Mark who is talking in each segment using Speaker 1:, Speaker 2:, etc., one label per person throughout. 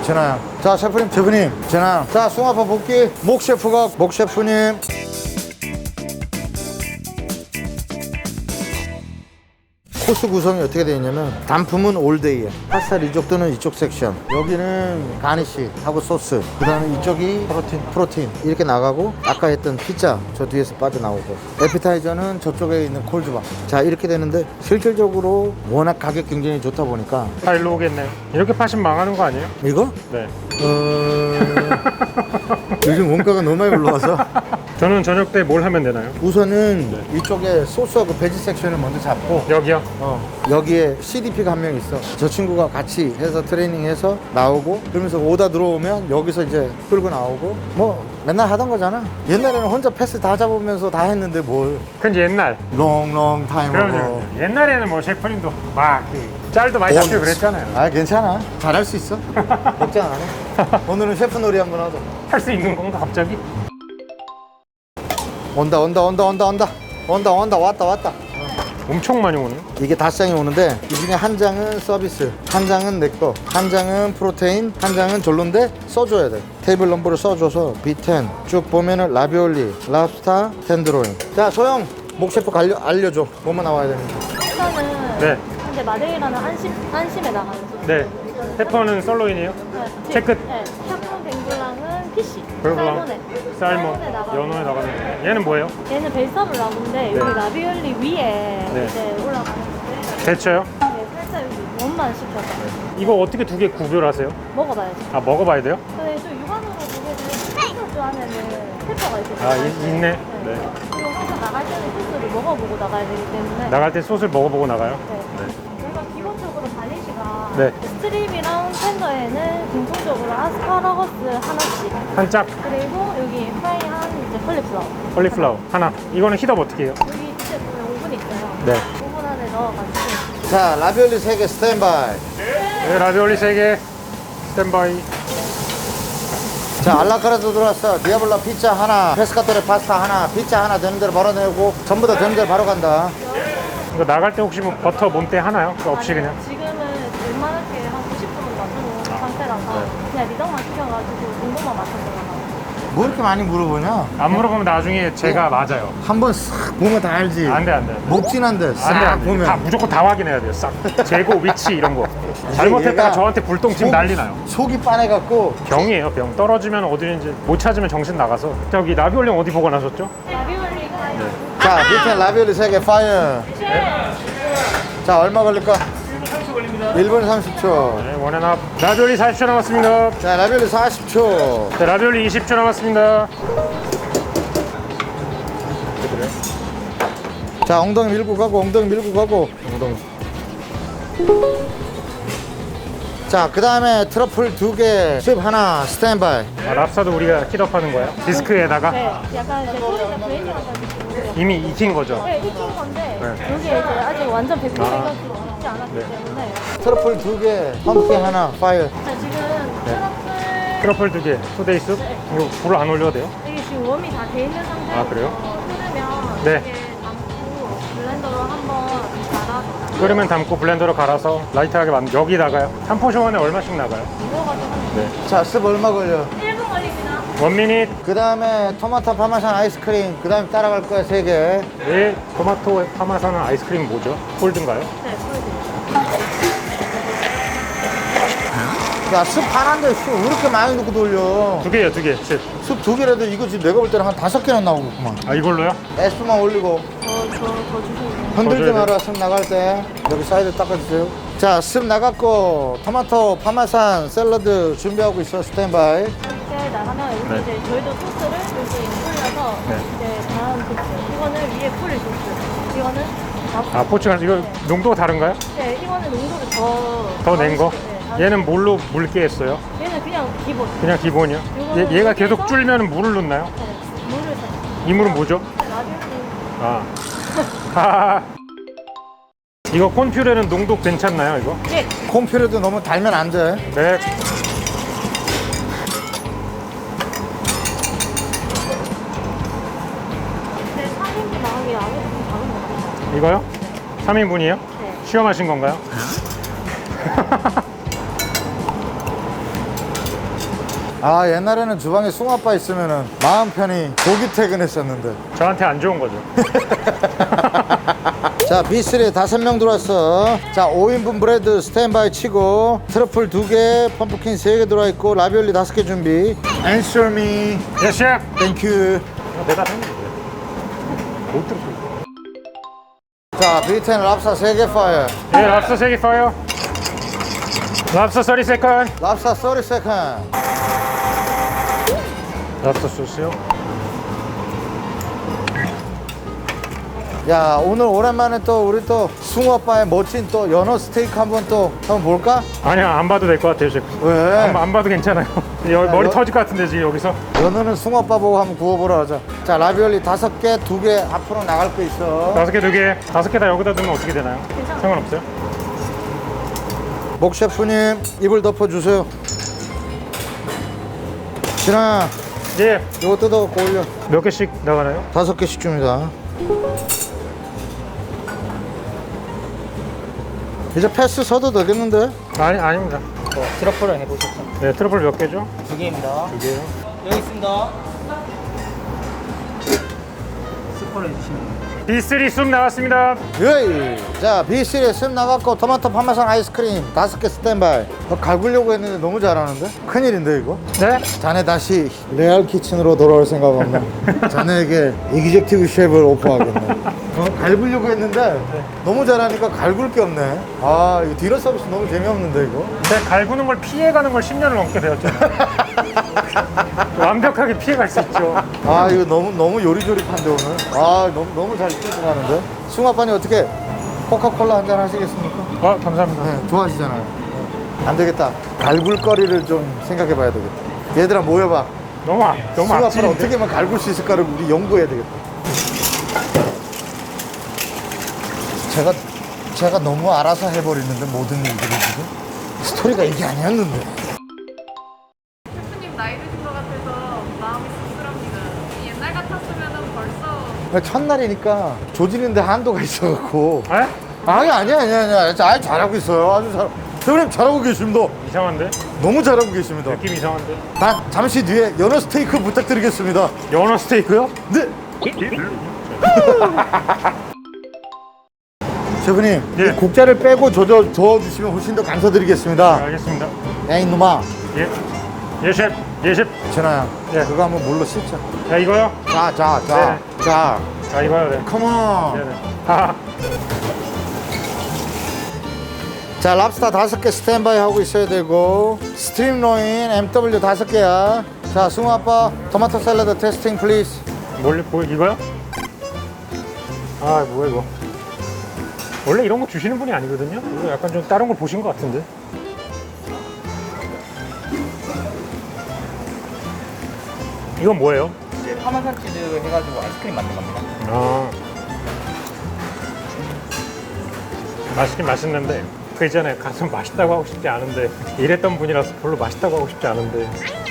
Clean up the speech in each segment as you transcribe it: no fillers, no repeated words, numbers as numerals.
Speaker 1: 진아야. 자, 셰프님, 진아. 자, 숭아파 볶기. 목 셰프님. 코스 구성이 어떻게 되어 있냐면 단품은 올데이야. 파스타 리조또는 이쪽 섹션, 여기는 가니쉬 하고 소스, 그 다음에 이쪽이 프로틴 이렇게 나가고, 아까 했던 피자 저 뒤에서 빠져나오고, 에피타이저는 저쪽에 있는 콜드바. 자, 이렇게 되는데 실질적으로 워낙 가격 경쟁이 좋다 보니까
Speaker 2: 다 일로 오겠네요. 이렇게 파시면 망하는 거 아니에요?
Speaker 1: 이거?
Speaker 2: 네.
Speaker 1: 요즘 원가가 너무 많이 올라와서
Speaker 2: 저는 저녁 때 뭘 하면 되나요?
Speaker 1: 우선은 이쪽에 소스하고 베지 섹션을 먼저 잡고,
Speaker 2: 여기요?
Speaker 1: 여기에 CDP가 한 명 있어. 저 친구가 같이 해서 트레이닝해서 나오고, 그러면서 오다 들어오면 여기서 이제 끌고 나오고, 뭐 맨날 하던 거잖아. 옛날에는 혼자 패스 다 잡으면서 다 했는데 뭘
Speaker 2: 그건 옛날.
Speaker 1: 롱 타임으로.
Speaker 2: 그럼요. 옛날에는 뭐 셰프님도 막 짤도 많이 잡히고 그랬잖아요.
Speaker 1: 아, 괜찮아. 잘할 수 있어. 걱정 안 해. 오늘은 셰프 놀이 한번 하자.
Speaker 2: 할 수 있는 건가 갑자기?
Speaker 1: 온다. 왔다.
Speaker 2: 엄청 많이 오네.
Speaker 1: 이게 5장이 오는데, 이 중에 한 장은 서비스, 한 장은 내 거, 한 장은 프로테인, 한 장은 전로인데 써줘야 돼. 테이블 넘버를 써줘서 B10 쭉 보면은 라비올리, 랍스타, 텐드로인. 자, 소영, 목 셰프 알려줘. 뭐만 나와야 되는지.
Speaker 3: 일단은
Speaker 2: 네.
Speaker 3: 현재 마데이라는 한심에 나가는 소스.
Speaker 2: 네. 페퍼는 솔로인이에요?
Speaker 3: 네.
Speaker 2: 채끝.
Speaker 3: 네. 샤프랑 뱅블랑은 피쉬.
Speaker 2: 뱅블랑.
Speaker 3: 살몬에.
Speaker 2: 살몬.
Speaker 3: 나가는
Speaker 2: 연어에 나가는. 얘는 뭐예요?
Speaker 3: 얘는 벨사블 라구인데
Speaker 2: 네.
Speaker 3: 여기 라비올리 위에
Speaker 2: 네.
Speaker 3: 이제 올라가는데,
Speaker 2: 데쳐요?
Speaker 3: 네, 살짝 여기 원만 시켜서
Speaker 2: 이거 어떻게 두 개 구별하세요?
Speaker 3: 먹어봐야지.
Speaker 2: 아, 먹어봐야 돼요?
Speaker 3: 근데 좀 육안으로 보면은 소스 안에는 페퍼가 있어요.
Speaker 2: 아, 있네. 네.
Speaker 3: 그리고 항상 나갈 때는 소스를 먹어보고 나가야 되기 때문에.
Speaker 2: 나갈 때 소스를 먹어보고 나가요?
Speaker 3: 네. 저희가 기본적으로 바니쉬가
Speaker 2: 네.
Speaker 3: 스트립이랑 텐더에는 공통적으로 아스파라거스 하나씩,
Speaker 2: 한 짝.
Speaker 3: 그리고 여기 프라이한 이제 컬리플라워.
Speaker 2: 컬리플라워 하나. 이거는 히업 어떻게 해요?
Speaker 3: 여기 뒤에 보면 오븐 있어요.
Speaker 2: 네.
Speaker 3: 오븐 안에 넣어가지고.
Speaker 1: 자, 라비올리 3개 스탠바이.
Speaker 2: 네, 라비올리 3개. 스탠바이.
Speaker 1: 자, 알라카라도 들어왔어. 디아블라 피자 하나, 페스카토레 파스타 하나, 피자 하나 되는 대로 바로 내고, 전부 다 되는 대로 바로 간다.
Speaker 2: 이거 나갈 때 혹시 뭐 버터 몸때 하나요? 그거 없이
Speaker 3: 아니요,
Speaker 2: 그냥?
Speaker 3: 지금은 웬만하게 한 90%는 맞춰놓은 상태라서 그냥 리더만 시켜가지고 공도만 맞춰서 나가요.
Speaker 1: 뭐 이렇게 많이 물어보냐?
Speaker 2: 안 물어보면 나중에 제가 맞아요.
Speaker 1: 한번 싹 보면 다 알지.
Speaker 2: 안 돼, 안 돼.
Speaker 1: 목진한데
Speaker 2: 안 돼,
Speaker 1: 싹
Speaker 2: 안 돼. 다
Speaker 1: 보면.
Speaker 2: 무조건 다 확인해야 돼요. 싹. 재고, 위치 이런 거. 잘못했다가
Speaker 1: 얘가
Speaker 2: 저한테 불똥집 난리 나요.
Speaker 1: 속이 빠내갖고.
Speaker 2: 병이에요, 병. 떨어지면 어디든지 못 찾으면 정신 나가서. 저기 라비올리 어디 보고 나셨죠?
Speaker 3: 라비올리가
Speaker 1: 자, 밑에 라비올리 3개 파이어. 자, 얼마 걸릴까? 1분 30초.
Speaker 2: 네, 원앤합. 라비올리 40초 남았습니다.
Speaker 1: 자, 라비올리 40초.
Speaker 2: 네, 라비올리 20초 남았습니다.
Speaker 1: 자, 엉덩이 밀고 가고, 엉덩이. 자, 그 다음에 트러플 2개, 칩 하나, 스탠바이.
Speaker 2: 아, 랍스타도 우리가 킷업하는 거예요? 디스크에다가?
Speaker 3: 네, 약간 이제 소리가 브레이크가 가지고
Speaker 2: 이미 익힌 거죠?
Speaker 3: 네, 익힌 건데
Speaker 2: 네.
Speaker 3: 여기에 이제 아직 완전 100% 익지 않았기 때문에.
Speaker 1: 트러플 2개, 펌킨 하나, 파이어.
Speaker 3: 자, 지금
Speaker 2: 트러플 2개, 투데이스? 이거 불을 안 올려도 돼요?
Speaker 3: 이게 지금 웜이 다 돼 있는 상태로.
Speaker 2: 아, 그래요?
Speaker 3: 끓으면
Speaker 2: 네.
Speaker 3: 이게 담고 블렌더로 한번 갈아서
Speaker 2: 끓으면 담고 블렌더로 갈아서 라이트하게 여기다가요? 한 포션에 얼마씩 나가요?
Speaker 3: 익어가지고 한
Speaker 2: 네.
Speaker 1: 자, 습 얼마 걸려?
Speaker 3: 1분 걸립니다.
Speaker 2: 1미닛.
Speaker 1: 그 다음에 토마토 파마산 아이스크림. 그 다음에 따라갈 거야, 3개.
Speaker 2: 네, 토마토 파마산은 아이스크림 뭐죠? 콜드인가요?
Speaker 3: 네, 보여드릴게요.
Speaker 1: 야, 습 하나인데 왜 이렇게 많이 넣고 돌려?
Speaker 2: 2개요, 2개. 칩.
Speaker 1: 습 2개라도 이거 지금 내가 볼 때는 한 5개나 나오겠구만.
Speaker 2: 아, 이걸로요?
Speaker 1: 에스프만 올리고.
Speaker 3: 더 주세요.
Speaker 1: 흔들지
Speaker 2: 줘야
Speaker 1: 마라, 습 나갈 때. 여기 사이드 닦아주세요. 자, 습 나갔고, 토마토 파마산 샐러드 준비하고 있어, 스탠바이.
Speaker 3: 이렇게 나가면 여기
Speaker 2: 네.
Speaker 3: 이제 저희도 소스를 여기 뿌려서
Speaker 2: 네.
Speaker 3: 이제 다음 소스. 이거는 위에 뿌릴 소스. 이거는
Speaker 2: 아, 포츠가 이거 농도가 다른가요?
Speaker 3: 네, 이거는 농도를
Speaker 2: 더 낸 거?
Speaker 3: 네,
Speaker 2: 얘는 뭘로 묽게 했어요?
Speaker 3: 얘는 그냥 기본.
Speaker 2: 그냥 기본이요?
Speaker 3: 요거는
Speaker 2: 얘가
Speaker 3: 여기에서-
Speaker 2: 계속 줄면 물을 넣나요?
Speaker 3: 네, 물을 살짝.
Speaker 2: 이 물은 뭐죠?
Speaker 3: 라비올리.
Speaker 2: 아. 하하하. 이거 콘퓨레는 농도 괜찮나요, 이거?
Speaker 3: 네,
Speaker 1: 콩피레도 너무 달면 안 돼.
Speaker 2: 네.
Speaker 3: 근데 3인분 나오기 아무래도 좀 다른 것 같아요.
Speaker 2: 이거요? 3인분이에요?
Speaker 3: 네.
Speaker 2: 시험하신 건가요?
Speaker 1: 아, 옛날에는 주방에 숭아빠 있으면은 마음 편히 고기 퇴근했었는데.
Speaker 2: 저한테 안 좋은 거죠.
Speaker 1: 자, B3 5명 들어왔어. 자, 5인분 브레드 스탠바이 치고 트러플 2개, 펌프킨 3개 들어와있고 라비올리 5개 준비. Answer me.
Speaker 2: 예, 셰프.
Speaker 1: Thank you.
Speaker 2: 내가 했는데. 못 들었어.
Speaker 1: 자, B10 랍스타 3개 파이어.
Speaker 2: 예, 랍스터 3개 파이어. 랍스터 30세컨.
Speaker 1: 랍스타 30세컨.
Speaker 2: 랍스터 소스요.
Speaker 1: 야, 오늘 오랜만에 또 우리 또 숭어빠의 멋진 또 연어 스테이크 한번 볼까?
Speaker 2: 아니요, 안 봐도 될 것 같아요, 셰프.
Speaker 1: 왜?
Speaker 2: 안 봐도 괜찮아요. 머리 터질 것 같은데, 지금 여기서.
Speaker 1: 연어는 숭어빠 보고 한번 구워보라 하자. 자, 라비올리 5개, 2개 앞으로 나갈 거 있어.
Speaker 2: 5개, 2개. 5개 다 여기다 두면 어떻게 되나요?
Speaker 3: 괜찮아요.
Speaker 2: 상관없어요?
Speaker 1: 목 셰프님, 입을 덮어주세요. 진아,
Speaker 2: 예.
Speaker 1: 이거 뜯어갖고 올려.
Speaker 2: 몇 개씩 나가나요?
Speaker 1: 5개씩 줍니다. 이제 패스 서도 되겠는데?
Speaker 2: 아닙니다.
Speaker 4: 트러플을 해보셨죠?
Speaker 2: 네, 트러플 몇 개죠?
Speaker 4: 2개입니다.
Speaker 2: 2개요.
Speaker 4: 여기 있습니다. 스포를 해주시면 됩니다.
Speaker 2: B3 숲 나왔습니다.
Speaker 1: 예이. 자, B3에 습 나갔고 토마토 파마산 아이스크림 5개 스탠바이. 너 갈구려고 했는데 너무 잘하는데? 큰일인데 이거?
Speaker 2: 네?
Speaker 1: 자네 다시 레알 키친으로 돌아올 생각 없나? 자네에게 이기젝티브 셰프를 오퍼하겠네. 갈구려고 했는데 너무 잘하니까 갈굴 게 없네. 아, 이거 딜러 서비스 너무 재미없는데 이거?
Speaker 2: 제가 갈구는 걸 피해가는 걸 10년을 넘게 배웠잖아요. 완벽하게 피해갈 수 있죠.
Speaker 1: 아, 이거 너무 요리조리한데 오늘. 아, 너무 잘 끌고 가는데. 숭아빠니 어떻게 코카콜라 한잔 하시겠습니까?
Speaker 2: 감사합니다.
Speaker 1: 네, 좋아하시잖아요. 안 되겠다. 갈굴거리를 좀 생각해 봐야 되겠다. 얘들아 모여봐.
Speaker 2: 너무
Speaker 1: 숭아빠를
Speaker 2: 악질인데?
Speaker 1: 어떻게 하면 갈굴 수 있을까를 우리 연구해야 되겠다. 제가 너무 알아서 해버리는데 모든 일들을 지금 스토리가 이게 아니었는데.
Speaker 5: 셰프님 나이 드신 것 같아서 마음이 씁쓸합니다. 옛날 같았으면 벌써
Speaker 1: 첫날이니까 조지는데 한도가 있어갖고.
Speaker 2: 에?
Speaker 1: 아니야. 아주 잘하고 있어요. 아주 잘. 대표님 잘하고 계십니다.
Speaker 2: 이상한데?
Speaker 1: 너무 잘하고 계십니다.
Speaker 2: 느낌 이상한데?
Speaker 1: 단 잠시 뒤에 연어 스테이크 부탁드리겠습니다.
Speaker 2: 연어 스테이크요?
Speaker 1: 네. 셰프님,
Speaker 2: 예.
Speaker 1: 이 국자를 빼고 저어주시면 훨씬 더 감사드리겠습니다.
Speaker 2: 알겠습니다.
Speaker 1: 야, 이놈아.
Speaker 2: 예. 예, 셰프. 예, 셰프.
Speaker 1: 진아야,
Speaker 2: 예.
Speaker 1: 그거 한번 물로 씻자.
Speaker 2: 야, 이거요?
Speaker 1: 자.
Speaker 2: 이거요, 네.
Speaker 1: 컴온.
Speaker 2: 네네. 하하.
Speaker 1: 자, 랍스타 5개 스탠바이 하고 있어야 되고, 스트림 로인 MW 5개야. 자, 승우 아빠, 토마토 샐러드 테스팅 플리즈.
Speaker 2: 이거요? 아, 뭐야, 이거. 원래 이런 거 주시는 분이 아니거든요? 이거 약간 좀 다른 걸 보신 것 같은데? 이건 뭐예요?
Speaker 4: 이제 파마산 치즈 해가지고 아이스크림 만든 겁니다.
Speaker 2: 아. 맛있긴 맛있는데, 그 있잖아요. 가서 맛있다고 하고 싶지 않은데, 이랬던 분이라서 별로 맛있다고 하고 싶지 않은데.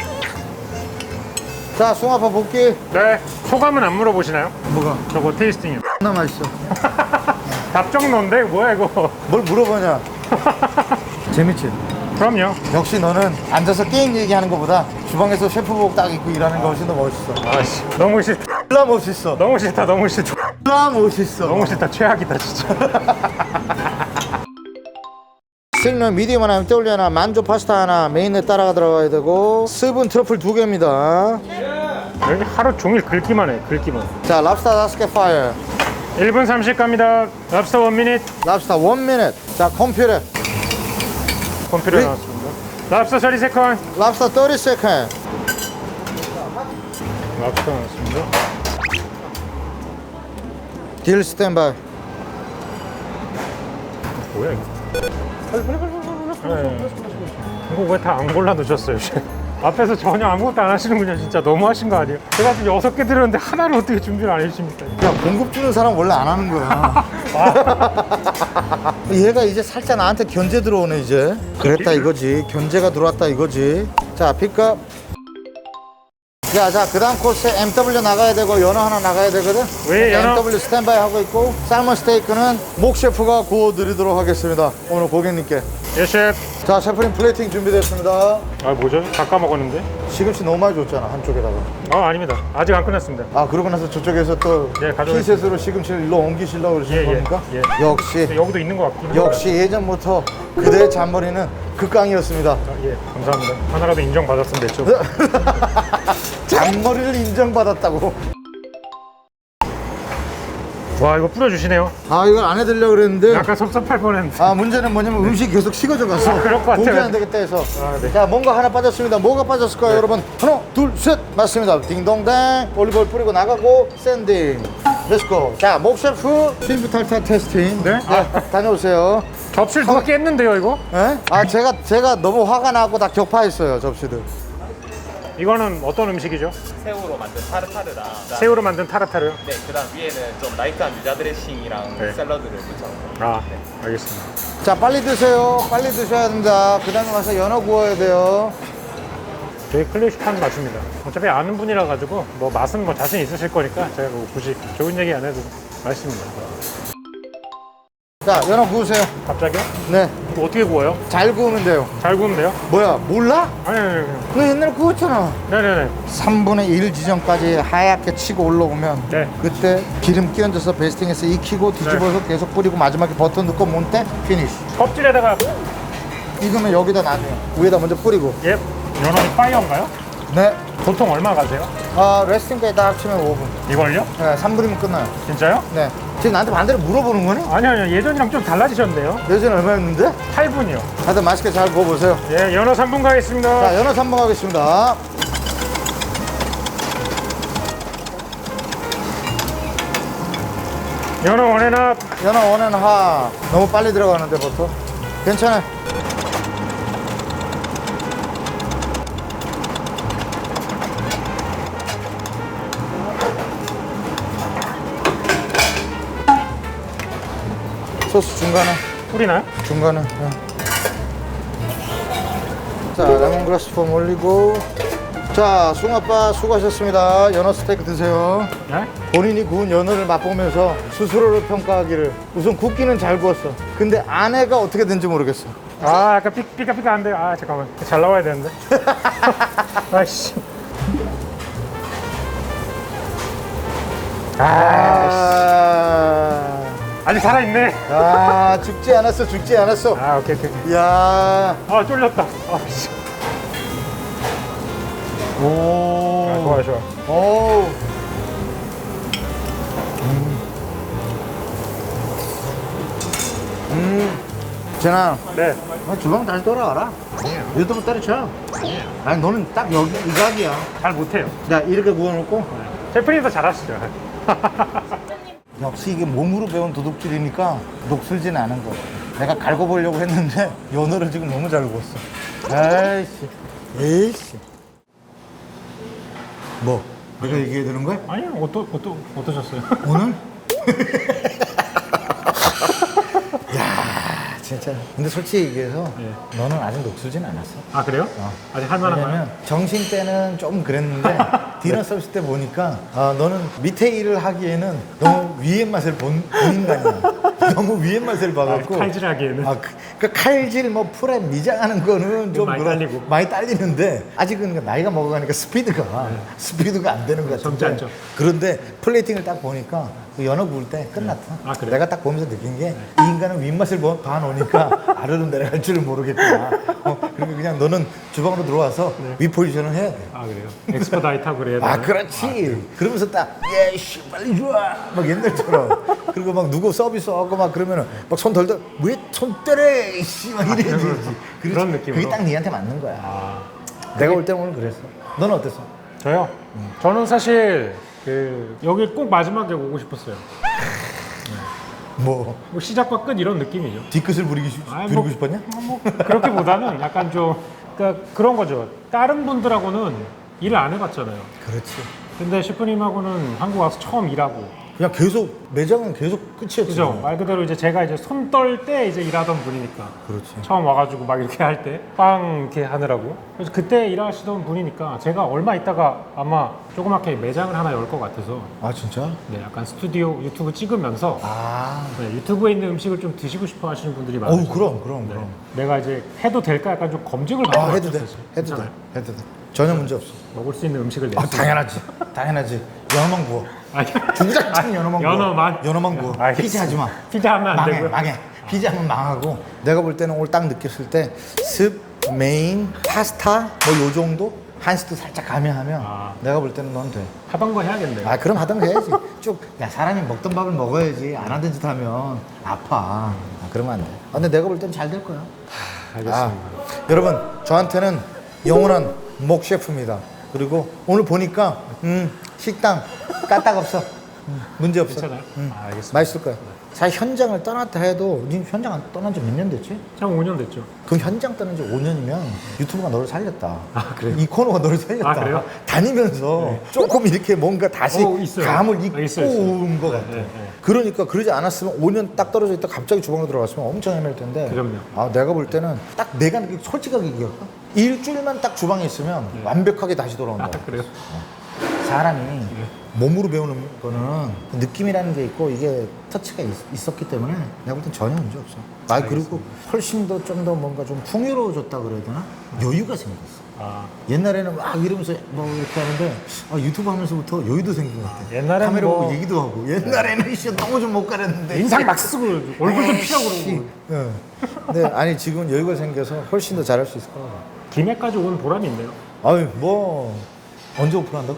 Speaker 1: 자, 승우 아빠 볶기.
Speaker 2: 네. 소감은 안 물어보시나요?
Speaker 1: 뭐가?
Speaker 2: 저거 테이스팅이요.
Speaker 1: 나 맛있어.
Speaker 2: 답정론데? 뭐야, 이거.
Speaker 1: 뭘 물어보냐? 재밌지?
Speaker 2: 그럼요.
Speaker 1: 역시 너는 앉아서 게임 얘기하는 것보다 주방에서 셰프복 딱 입고 일하는 거 훨씬 더 멋있어.
Speaker 2: 아씨. 너무 싫다.
Speaker 1: 졸라 멋있어.
Speaker 2: 너무 싫다. 너무 싫다.
Speaker 1: 졸라 멋있어.
Speaker 2: 너무 싫다. 최악이다, 진짜.
Speaker 1: 스틱런 미디엄 하나, MW 하나, 만조 파스타 하나, 메인에 따라가 들어가야 되고 스분 트러플 2개입니다.
Speaker 2: 여기 하루 종일 긁기만 해. 긁기만.
Speaker 1: 자, 랍스타 5개 파이어.
Speaker 2: 1분 30 갑니다. 랍스터 1미닛.
Speaker 1: 랍스타 1 minute. 자, 컴퓨터.
Speaker 2: 컴퓨터 나왔습니다. 랍스터 30세컨.
Speaker 1: 랍스타 30second.
Speaker 2: 랍스터 나왔습니다.
Speaker 1: 딜 스탠바이.
Speaker 2: 뭐야, 이거? 네. 이거 왜 다 안 골라 놓으셨어요? 앞에서 전혀 아무것도 안 하시는군요. 진짜 너무하신 거 아니에요? 제가 지금 6개 들었는데 하나를 어떻게 준비를 안 해주십니까?
Speaker 1: 야, 공급 주는 사람 원래 안 하는 거야. 얘가 이제 살짝 나한테 견제 들어오네 이제. 그랬다 이거지. 견제가 들어왔다 이거지. 자, 픽업. 자, 그 다음 코스에 MW 나가야 되고 연어 하나 나가야 되거든.
Speaker 2: 왜 연어?
Speaker 1: MW 스탠바이 하고 있고 살몬 스테이크는 목 셰프가 구워드리도록 하겠습니다. 오늘 고객님께.
Speaker 2: 예, 셰프.
Speaker 1: 자, 셰프님 플레이팅 준비됐습니다.
Speaker 2: 아, 뭐죠? 다 까먹었는데?
Speaker 1: 시금치 너무 많이 줬잖아, 한쪽에다가.
Speaker 2: 아닙니다. 아직 안 끝났습니다.
Speaker 1: 아, 그러고 나서 저쪽에서 또
Speaker 2: 예, 가져오겠습니다.
Speaker 1: 핀셋으로 시금치를 일로 옮기시려고 그러시는 겁니까?
Speaker 2: 예.
Speaker 1: 역시
Speaker 2: 여기도 있는 것 같긴 한데.
Speaker 1: 역시 예전부터 그대의 잔머리는 극강이었습니다.
Speaker 2: 아, 예, 감사합니다. 하나라도 인정받았으면 됐죠.
Speaker 1: 잔머리를 인정받았다고.
Speaker 2: 와, 이거 뿌려주시네요.
Speaker 1: 아, 이걸 안 해드리려고 그랬는데
Speaker 2: 약간 섭섭할 뻔했는데.
Speaker 1: 아, 문제는 뭐냐면 음식이 계속 식어져 가서
Speaker 2: 그럴 것 같아요.
Speaker 1: 공개 안 되겠다 해서.
Speaker 2: 아, 네.
Speaker 1: 자, 뭔가 하나 빠졌습니다. 뭐가 빠졌을까요, 여러분? 하나, 둘, 셋. 맞습니다. 딩동댕. 올리브오일 뿌리고 나가고 샌딩. 렛츠고. 자, 목 셰프 신부 탈탈 테스팅.
Speaker 2: 네?
Speaker 1: 다녀오세요.
Speaker 2: 접시를 누가 깼는데요, 이거?
Speaker 1: 예? 아, 제가 너무 화가 나고 다 격파했어요, 접시들.
Speaker 2: 이거는 어떤 음식이죠?
Speaker 4: 새우로 만든 타르타르랑
Speaker 2: 새우로 만든 타르타르요?
Speaker 4: 네, 그다음 위에는 좀 라이트한 유자 드레싱이랑
Speaker 2: 네.
Speaker 4: 샐러드를 묻혀서
Speaker 2: 아, 알겠습니다.
Speaker 1: 자, 빨리 드세요. 빨리 드셔야 된다. 그 다음에 가서 연어 구워야 돼요.
Speaker 2: 되게 클래식한 맛입니다. 어차피 아는 분이라 가지고 뭐 맛은 뭐 자신 있으실 거니까 제가 뭐 굳이 좋은 얘기 안 해도 맛있습니다.
Speaker 1: 자, 연어 구우세요.
Speaker 2: 갑자기요?
Speaker 1: 네.
Speaker 2: 이거 어떻게 구워요?
Speaker 1: 잘 구우면 돼요.
Speaker 2: 잘 구우면 돼요?
Speaker 1: 뭐야, 몰라?
Speaker 2: 아니.
Speaker 1: 너 옛날에 구웠잖아.
Speaker 2: 네네네.
Speaker 1: 3분의 1 지점까지 하얗게 치고 올라오면
Speaker 2: 네.
Speaker 1: 그때 기름 끼얹어서 베이스팅해서 익히고 뒤집어서 계속 뿌리고 마지막에 버터 넣고 몬테 피니쉬.
Speaker 2: 껍질에다가
Speaker 1: 익으면 여기다 놔줘요. 위에다 먼저 뿌리고.
Speaker 2: 예. 연어이 파이어인가요?
Speaker 1: 네.
Speaker 2: 보통 얼마 가세요?
Speaker 1: 아, 레스팅까지 다 합치면 5분.
Speaker 2: 이걸요?
Speaker 1: 네, 3분이면 끝나요.
Speaker 2: 진짜요?
Speaker 1: 네. 지금 나한테 반대로 물어보는 거니?
Speaker 2: 아니요. 예전이랑 좀 달라지셨네요.
Speaker 1: 예전에 얼마였는데?
Speaker 2: 8분이요.
Speaker 1: 다들 맛있게 잘 구워보세요.
Speaker 2: 예, 연어 3분 가겠습니다.
Speaker 1: 자, 연어 3번 가겠습니다.
Speaker 2: 연어 원해나
Speaker 1: 연어 원앤 하. 너무 빨리 들어가는데 버터. 괜찮아요. 소스 중간에.
Speaker 2: 뿌리나요?
Speaker 1: 중간에. 네. 자, 레몬그라스 폼 올리고. 자, 숭아빠 수고하셨습니다. 연어 스테이크 드세요.
Speaker 2: 네?
Speaker 1: 본인이 구운 연어를 맛보면서 스스로를 평가하기를 우선 굽기는 잘 구웠어. 근데 안에가 어떻게 된지 모르겠어.
Speaker 2: 아, 약간 삐까삐까한데. 아, 잠깐만. 잘 나와야 되는데. 아이씨. 아직 살아있네.
Speaker 1: 죽지 않았어, 죽지 않았어.
Speaker 2: 아, 오케이.
Speaker 1: 야,
Speaker 2: 아, 쫄렸다. 아, 씨.
Speaker 1: 오,
Speaker 2: 아, 좋아.
Speaker 1: 오. 재나,
Speaker 2: 네.
Speaker 1: 주방 다시 돌아와라. 유튜브 때려쳐. 아니, 너는 딱 여기 이 각이야.
Speaker 2: 잘 못해요.
Speaker 1: 자, 이렇게 구워놓고.
Speaker 2: 셰프님도 잘하시죠.
Speaker 1: 역시 이게 몸으로 배운 도둑질이니까 녹슬진 않은 거. 내가 갈고 보려고 했는데 연어를 지금 너무 잘 구웠어. 에이씨. 뭐? 내가 얘기해야 되는 거야?
Speaker 2: 아니요, 어떠셨어요?
Speaker 1: 오늘? 야, 진짜. 근데 솔직히 얘기해서
Speaker 2: 예.
Speaker 1: 너는 아직 녹슬진 않았어.
Speaker 2: 아, 그래요? 아직 할만한가요?
Speaker 1: 왜냐면 정신 때는 좀 그랬는데 디너 서비스 때 보니까 너는 밑에 일을 하기에는 너무 위의 맛을 본 인간이야. 너무 위의 맛을 봐갖고
Speaker 2: 칼질하기에는.
Speaker 1: 그 칼질 뭐 풀에 미장하는 거는 좀
Speaker 2: 많이 딸리고.
Speaker 1: 많이 딸리는데 아직은 나이가 먹어가니까 스피드가 안 되는 것
Speaker 2: 젊지
Speaker 1: 같은데
Speaker 2: 않죠.
Speaker 1: 그런데 플레이팅을 딱 보니까 그 연어 구울 때 끝났다.
Speaker 2: 아, 그래요?
Speaker 1: 내가 딱 보면서 느낀 게 이 인간은 윗맛을 봐놓으니까 아래로 내려갈 줄을 모르겠구나. 그러니까 그냥 너는 주방으로 들어와서 윗 포지션을 해야 돼.
Speaker 2: 아, 그래요? 엑스퍼다이트하고 그래야 되나요?
Speaker 1: 그렇지. 그러면서 딱, 예씨, 빨리 줘! 막 옛날처럼. 그리고 막 누구 서비스 하고 막 그러면은 막 손 덜덜, 왜 손 때려! 이씨, 막 이래야 되지.
Speaker 2: 그런 느낌으로?
Speaker 1: 그게 딱 니한테 맞는 거야.
Speaker 2: 아,
Speaker 1: 내가 올 때 오늘 그랬어. 너는 어땠어?
Speaker 2: 저요? 저는 사실 여기 꼭 마지막에 오고 싶었어요.
Speaker 1: 뭐,
Speaker 2: 뭐 시작과 끝 이런 느낌이죠.
Speaker 1: 뒤끝을 부리고
Speaker 2: 뭐,
Speaker 1: 싶었냐?
Speaker 2: 뭐 그렇게보다는 약간 좀 그러니까 그런 거죠. 다른 분들하고는 일을 안 해봤잖아요.
Speaker 1: 그렇지.
Speaker 2: 근데 셰프님하고는 한국 와서 처음 일하고
Speaker 1: 그냥 계속 매장은 계속 끝이었지.
Speaker 2: 그죠? 말 그대로 이제 제가 이제 손 떨 때 이제 일하던 분이니까.
Speaker 1: 그렇지.
Speaker 2: 처음 와가지고 막 이렇게 할 때 빵 이렇게 하느라고. 그래서 그때 일하시던 분이니까 제가 얼마 있다가 아마 조그맣게 매장을 하나 열 것 같아서
Speaker 1: 아 진짜?
Speaker 2: 네, 약간 스튜디오 유튜브 찍으면서
Speaker 1: 아.
Speaker 2: 네, 유튜브에 있는 음식을 좀 드시고 싶어 하시는 분들이 많아요.
Speaker 1: 어우 그럼.
Speaker 2: 내가 이제 해도 될까 약간 좀 검증을
Speaker 1: 아
Speaker 2: 받아봤어요.
Speaker 1: 해도 돼. 해도 돼. 해도 돼. 전혀 문제 없어.
Speaker 2: 먹을 수 있는 음식을 낼
Speaker 1: 아
Speaker 2: 수
Speaker 1: 당연하지. 연어만 구워.
Speaker 2: 아니,
Speaker 1: 중작창 연어만 구워.
Speaker 2: 연어만?
Speaker 1: 구워.
Speaker 2: 알겠습니다.
Speaker 1: 피자 하지 마.
Speaker 2: 피자 하면 안 되고요.
Speaker 1: 망해. 피자 하면 망하고. 내가 볼 때는 오늘 딱 느꼈을 때 습, 메인, 파스타 뭐 요 정도 한식도 살짝 가미하면
Speaker 2: 아.
Speaker 1: 내가 볼 때는 넌 돼.
Speaker 2: 하던 거 해야겠네요.
Speaker 1: 아 그럼 하던 거 해야지. 쭉. 야 사람이 먹던 밥을 먹어야지. 안 하던 짓 하면 아파. 아, 그러면 안 돼. 아, 근데 내가 볼 때는 잘 될 거야.
Speaker 2: 알겠습니다.
Speaker 1: 여러분 저한테는 영원한 목 셰프입니다. 그리고 오늘 보니까 식당 까딱 없어. 문제 없어.
Speaker 2: 괜찮아요? 알겠습니다.
Speaker 1: 맛있을 거야. 사실 현장을 떠났다 해도 니 현장 안 떠난 지 몇 년 됐지?
Speaker 2: 참 5년 됐죠.
Speaker 1: 그럼 현장 떠난 지 5년이면 유튜브가 너를 살렸다. 이 코너가 너를 살렸다.
Speaker 2: 아, 그래요?
Speaker 1: 다니면서 조금 이렇게 뭔가 다시
Speaker 2: 있어요.
Speaker 1: 감을 잊고
Speaker 2: 있어요.
Speaker 1: 온 것 같아.
Speaker 2: 네.
Speaker 1: 그러니까 그러지 않았으면 5년 딱 떨어져 있다 갑자기 주방으로 들어갔으면 엄청 헤맬 텐데.
Speaker 2: 그럼요.
Speaker 1: 아, 내가 볼 때는 딱 내가 솔직하게 얘기할까? 일주일만 딱 주방에 있으면 완벽하게 다시 돌아온다.
Speaker 2: 그래요?
Speaker 1: 사람이 몸으로 배우는 거는 느낌이라는 게 있고 이게 터치가 있었기 때문에 내가 볼 땐 전혀 문제 없어. 아 그리고 훨씬 더 좀 더 뭔가 좀 풍요로워졌다 그래야 되나? 여유가 생겼어.
Speaker 2: 아,
Speaker 1: 옛날에는 막 이러면서 뭐 이렇게 하는데 유튜브 하면서부터 여유도 생긴 것 같아.
Speaker 2: 옛날에는
Speaker 1: 카메라
Speaker 2: 뭐-
Speaker 1: 보고 얘기도 하고 옛날에는 씨 너무 좀 못 가렸는데
Speaker 2: 인상 막 쓰고 얼굴 좀 피라고 그러고.
Speaker 1: 네. 근데 아니 지금은 여유가 생겨서 훨씬 더 잘할 수 있을 것 같아.
Speaker 2: 김해까지 온 보람이 있네요.
Speaker 1: 아유 뭐 언제 오픈한다고?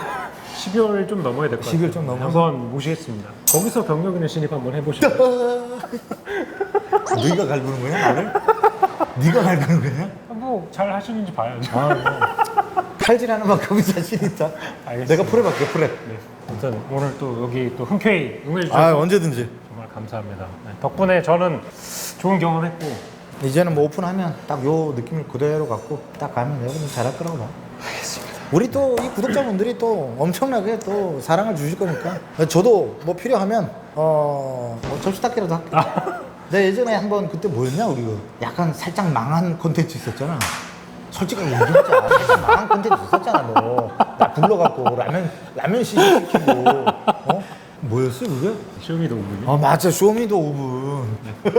Speaker 2: 12월 좀 넘어야 될 것 같아요.
Speaker 1: 12월 좀 넘어서?
Speaker 2: 한번 모시겠습니다. 거기서 병력인의 신입 한번 해보시죠.
Speaker 1: 네가 갈구는 거야 나를? 네가 갈구는 거야?
Speaker 2: 뭐 잘 하시는지 봐야죠.
Speaker 1: 칼질하는 만큼 자신 있다.
Speaker 2: 알겠습니다.
Speaker 1: 내가 풀어볼게 풀어.
Speaker 2: 네. 아무튼 오늘 또 여기 또 흔쾌히 응해주셔서
Speaker 1: 아 언제든지.
Speaker 2: 정말 감사합니다. 네, 덕분에 저는 좋은 경험했고
Speaker 1: 이제는 뭐 오픈하면 딱 요 느낌을 그대로 갖고 딱 가면 내가 좀 잘할 거라고 봐.
Speaker 2: 알겠습니다.
Speaker 1: 우리 또 이 구독자분들이 또 엄청나게 또 사랑을 주실 거니까 저도 뭐 필요하면 뭐 접시 닦기라도 할게. 내가 예전에 한번 그때 뭐였냐 우리 그 약간 살짝 망한 콘텐츠 있었잖아. 솔직하게 얘기하자. 살짝 망한 콘텐츠 있었잖아 너. 나 불러갖고 라면 시키고 뭐였어 그게?
Speaker 2: 쇼미더 오븐이.
Speaker 1: 맞아 쇼미더 오븐.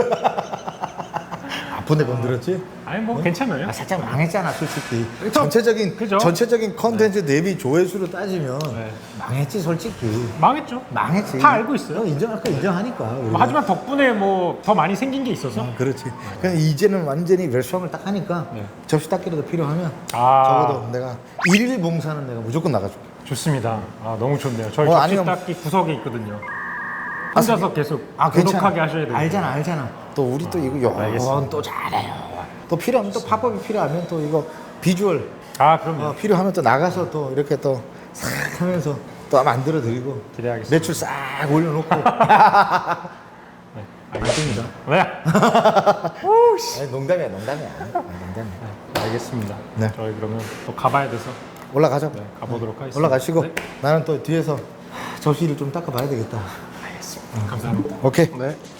Speaker 1: 아픈데 건드렸지?
Speaker 2: 아니 뭐 괜찮아요.
Speaker 1: 살짝 망했잖아 솔직히. 전체적인
Speaker 2: 그죠?
Speaker 1: 전체적인 컨텐츠 대비 조회수로 따지면
Speaker 2: 네.
Speaker 1: 망했지 솔직히.
Speaker 2: 망했죠.
Speaker 1: 망했지.
Speaker 2: 다 알고 있어요.
Speaker 1: 인정할 거 인정하니까. 우리가.
Speaker 2: 하지만 덕분에 뭐 더 많이 생긴 게 있어서
Speaker 1: 그렇지. 그냥 이제는 완전히 멸수함을 딱 하니까
Speaker 2: 네.
Speaker 1: 접시 닦기라도 필요하면
Speaker 2: 아.
Speaker 1: 적어도 내가 일일 봉사는 내가 무조건 나가줄게.
Speaker 2: 좋습니다. 아 너무 좋네요. 저희
Speaker 1: 뭐
Speaker 2: 접시
Speaker 1: 아니면-
Speaker 2: 닦기 구석에 있거든요. 혼자서 계속
Speaker 1: 괜찮아.
Speaker 2: 고독하게 하셔야 돼요.
Speaker 1: 알잖아. 또 우리 또 이거 영어
Speaker 2: 알겠습니다.
Speaker 1: 또 잘해요. 또 필요하면 또 팝업이 필요하면 또 이거 비주얼
Speaker 2: 아 그럼요.
Speaker 1: 필요하면 또 나가서 또 이렇게 또 싹 하면서 또 만들어 드리고
Speaker 2: 기대하겠습니다.
Speaker 1: 매출 싹 올려놓고.
Speaker 2: 알겠습니다. 네.
Speaker 1: 아니, 농담이야. 농담이야.
Speaker 2: 알겠습니다.
Speaker 1: 네.
Speaker 2: 저희 그러면 또 가봐야 돼서
Speaker 1: 올라가자.
Speaker 2: 네, 가보도록 하겠습니다.
Speaker 1: 올라가시고
Speaker 2: 네.
Speaker 1: 나는 또 뒤에서 접시를 좀 닦아봐야 되겠다.
Speaker 2: 알겠습니다. 감사합니다.
Speaker 1: 오케이.
Speaker 2: 네.